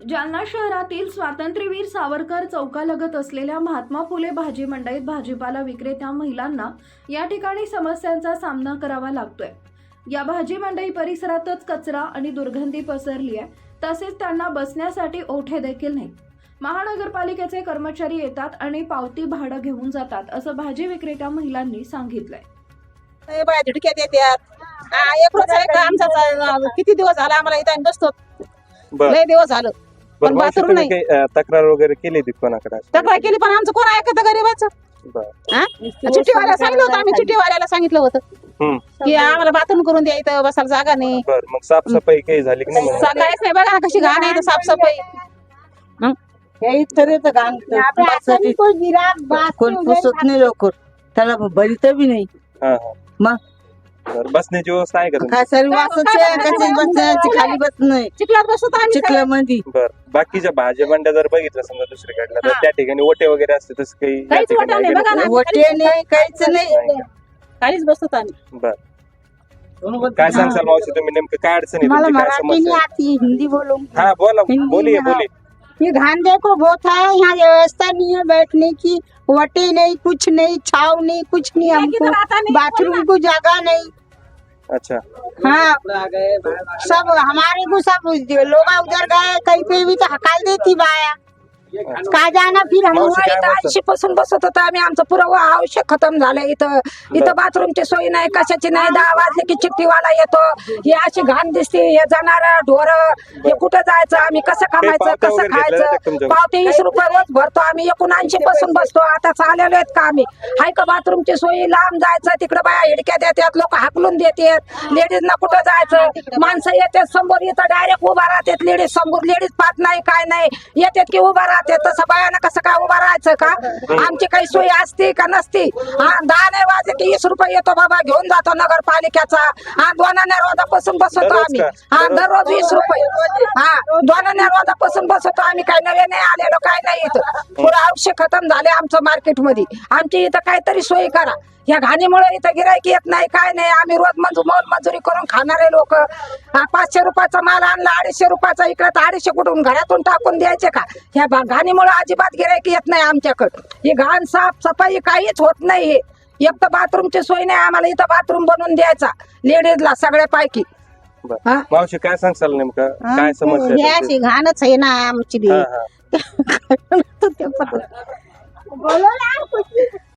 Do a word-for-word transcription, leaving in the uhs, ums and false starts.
जालना शहरातील स्वातंत्र्यवीर सावरकर चौकालगत असलेल्या महात्मा फुले भाजी मंडईत भाजीपाला विक्रेत्या महिलांना या ठिकाणी समस्यांचा सामना करावा लागतोय। या भाजी मंडई परिसरातच कचरा आणि दुर्गंधी पसरली आहे, तसेच त्यांना बसण्यासाठी ओठे देखील नाही। महानगरपालिकेचे कर्मचारी येतात आणि पावती भाडं घेऊन जातात, असं भाजी विक्रेत्या महिलांनी सांगितलंय। बाया झटक्यात येतात। हा, एक रोज आहे का आमचा किती दिवस झाला आम्हाला इथं आम्ही बसतो, लय दिवस झालं पण बाथरूम नाही। तक्रार वगैरे केली होती कोणाकडे? तक्रार केली पण आमचं कोण ऐकत गरीबाचं? चिठ्ठीवाल्याला सांगितलं होतं आम्ही, चिठ्ठीवाल्याला सांगितलं होतं की आम्हाला बाथरूम करून द्या, इथं बसायला जागा नाही। बरं, मग साफसफाई काही झाली की नाही? काहीच नाही, बघा ना कशी घाण आहे साफसफाई। कोण पुसत नाही लवकर, त्याला भरीत बी नाही। मग बसण्याची व्यवस्था आहे का तुमची? काय सर्व बसण्याची खाली बस नाही, चिखलात बसतो आम्ही चिखला मध्ये। बर, बाकीच्या भाज्या मंड्या जर बघितलं समजा दुसरीकडला तर त्या ठिकाणी ओटे वगैरे असते, तसं काही या काहीच ठिकाणी ओटा नाही, आहे का? बघा ना वटे नाही, काहीच नाही, काहीच बसतो आम्ही। बर, काय सांगसाल मावशी तुम्ही, नेमकं काय अडचण आहे मला तुमची, काय मराठी समस्या नहीं आहे? आती, हिंदी बोलो। हा बोला, हिंदी बोलिए में, हाँ। बोलिए। ये घान देखो बहुत है, यहाँ व्यवस्था नहीं है बैठने की, वटे नहीं, कुछ नहीं, छाव नहीं, कुछ नहीं, हमको बाथरूम को जगह नहीं। अच्छा, हाँ, सब हमारे को सब लोग उधर गए कहीं पे भी तो हकाल देती बाया, का जाना फिर हम। मावशी काय बोलतात? पासून बसत होता आम्ही, आमचं पुरं आवश्यक खतम झालंय। इथं इथं बाथरूमची सोय नाही, कशाची नाही। दहा वाजले की चिठ्ठीवाला येतो, हे अशी घाण दिसते, हे जाणार ढोर, हे कुठं जायचं, आम्ही कसं कमायचं, पावत्या तो कसं वगैरे घेतल्या जातात खायचं? तुमच्याकडे? पावते वीस रुपये रोज भरतो आम्ही, एकोणऐंशी पासून बसतो। आता चाललेलो आहेत का आम्ही? हाय का बाथरूमची सोयी? लांब जायचं, तिकडे बाया हिडक्यात येतात, लोक हाकलून देतात, लेडीज ना कुठं जायचं? माणसं येतात समोर, येतं डायरेक्ट उभा राहतात लेडीज समोर, लेडीज पाहत नाही काय नाही, येतात की उभा राहतात। तसं बायानं कसं काय उभा राहायचं का? आमची काही सोय असती का नसती? हा, दहा नाही वाजले की वीस रुपये येतो बाबा, घेऊन जातो नगरपालिकेचा। हा, दोनाने रोजापासून बसवतो दररोज आम्ही। का? हा, दररोज वीस रुपये। हा, दोनाने रोजापासून बसवतो आम्ही, काही नवे नाही आलेलो, काय नाही। इथं पुरं औषध खतम झाले आमचं मार्केट मध्ये, आमची इथं काहीतरी सोय करा। या घाणीमुळे इथं गिरायक येत नाही, काय नाही। आम्ही रोज मंजू मोल मजुरी करून खाणारे लोक, पाचशे रुपयाचा माल आणला अडीचशे रुपयाचा, इकडे तर अडीचशे कुठून घरातून टाकून द्यायचे का? ह्या घाणीमुळे अजिबात गिरायक येत नाही आमच्याकडं। ही घाण साफ सफाई काहीच होत नाही। एक तर बाथरूमची सोय नाही, आम्हाला इथं बाथरूम बनवून द्यायचा लेडीजला सगळ्या पैकी। बर, मावशी काय सांगसाल नेमकं काय समस्या हे आहे अशी तुमची? घाणच आहे ना आमची बी। हा, हा. बोलो ना कुछ